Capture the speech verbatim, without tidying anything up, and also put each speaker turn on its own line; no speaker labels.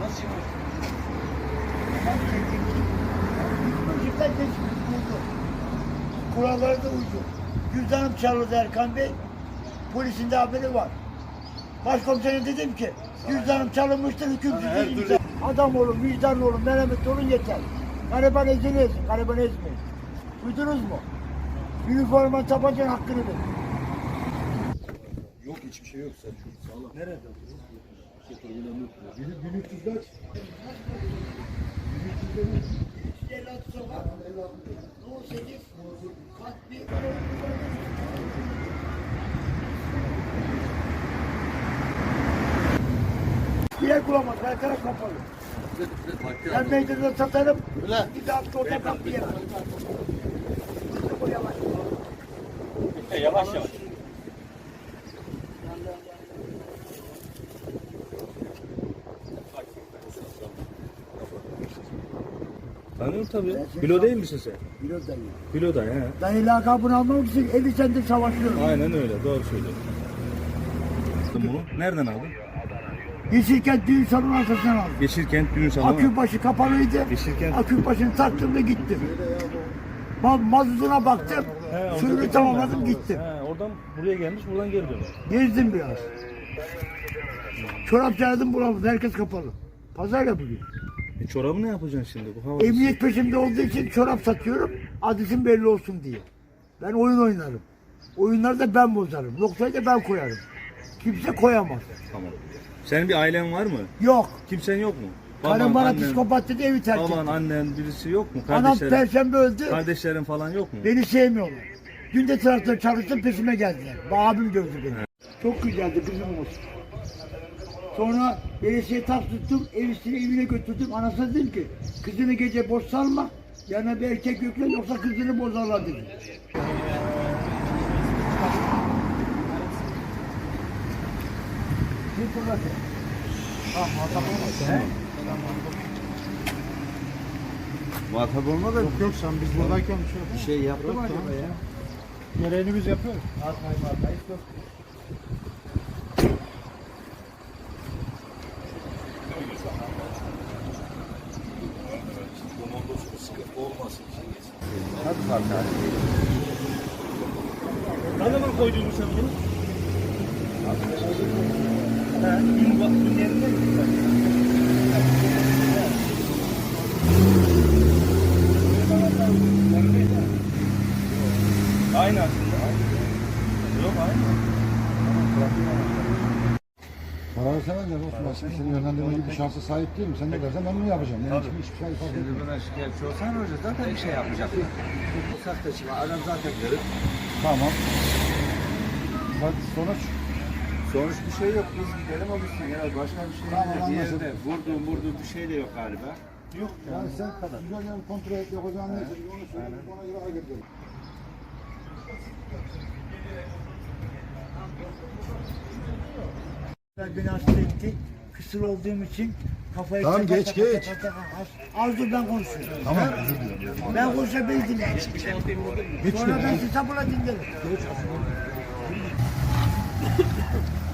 Işıktan geçmiş buldu. Kurallara da uydu. Cüzdanım çalındı Erkan Bey. Polisin de haberi var. Başkomiserim dedim ki cüzdanım çalınmıştır, hüküm sizin imza. Adam olun, vicdanlı olun, merhametli olun yeter. Gariban ezilmesin, gariban ezmeyin. Duydunuz mu? Üniforma tabancanın hakkını verin.
Yok hiçbir şey yok Selçuk. Sağlam.
Nerede?
bin üç yüz kaç?
yüz elli altı sokak. on sekiz. Kat bir. Diğer kulamaz. Her taraf kapalı. Ben meydanda satarım. Bir de hafta orada kap diyemem. Yavaş.
Yavaş yavaş.
Tanıyorum tabii. Bilo değil misin sen?
Biraz da iyi.
Bilo da he.
Ben lakabını almak için elli senedir savaşıyorum.
Aynen öyle. Doğru söylüyorsun. Bunu nereden aldın?
Yeşilkent düğün salonu arkasından aldım.
Yeşilkent düğün salonu.
Akübaşı kapalıydı.
Yeşilkent.
Akübaşını taktım da gittim. Ma mazutuna baktım.
He,
Suyunu tamamladım gittim.
He, oradan buraya gelmiş, buradan geri dönüyor.
Gezdim biraz. Çorap çağırdım bulamadım. Herkes kapalı. Pazar yapılıyor.
E, çorabı ne yapacaksın şimdi bu havada?
Emniyet peşimde olduğu için çorap satıyorum. Adresim belli olsun diye. Ben oyun oynarım. Oyunları da ben bozarım. Noktayı da ben koyarım. Kimse koyamaz.
Tamam. Senin bir ailen var mı?
Yok.
Kimsen yok mu?
Karım bana
annen,
psikopat dedi, evi terk etti.
baban, annen birisi yok mu?
Anam
Kardeşlerin,
perşembe öldü.
kardeşlerin falan yok mu?
Beni sevmiyorlar. Dün de traktör çalıştım, peşime geldiler. Abim dövdü beni. Çok güzeldi kızımız. Sonra belediye tas tuttum, evisini evine götürdüm. Anasına dedim ki, kızını gece boş salma, yanına bir erkek yükle yoksa kızını bozarlar dedim. Bir fırlatı. Ha, muhatap olmasın. He?
Muhatap olma da
Yok yok sen biz buradayken
bir şey yaptı mı acaba ya?
gereğini biz yapıyoruz.
Atmayı atmayı yok.
Hadi zaten.
Ne zaman koydun sen bunu? He, dün bak, dün yerine gittin. Aynı aslında. Yok aynı.
Kararı sen alacaksın olsun. Ben şimdi seni yönlendirme gibi bir şansa sahip değilim. Sen ne dersen ben bunu yapacağım. Yani hiçbir, hiçbir şey fark etmiyor.
Buna şikayetçi olsan hoca zaten bir şey yapacak. Sahte çıkma. Adam zaten görür.
Tamam. Bak sonuç.
Sonuç bir şey yok. Biz gidelim o gitsin. Ya başka bir şey
Tamam,
yok. Bir
anlaşıldı.
yerde vurduğum vurduğum bir şey de yok galiba.
Yok yani sen güzel yani kontrol et yapacağın neyse onu söyle ona göre hareket edelim.
Beni hasta etti. Kısır olduğum için kafayı...
Tamam,
taka
geç,
taka
geç.
taka taka az- Az dur ben konuşuyorum.
Tamam özür dilerim.
Ben konuşa beni dinleyin.
Geç
Sonra ben
şöyle.
sizi sabırla dinlerim.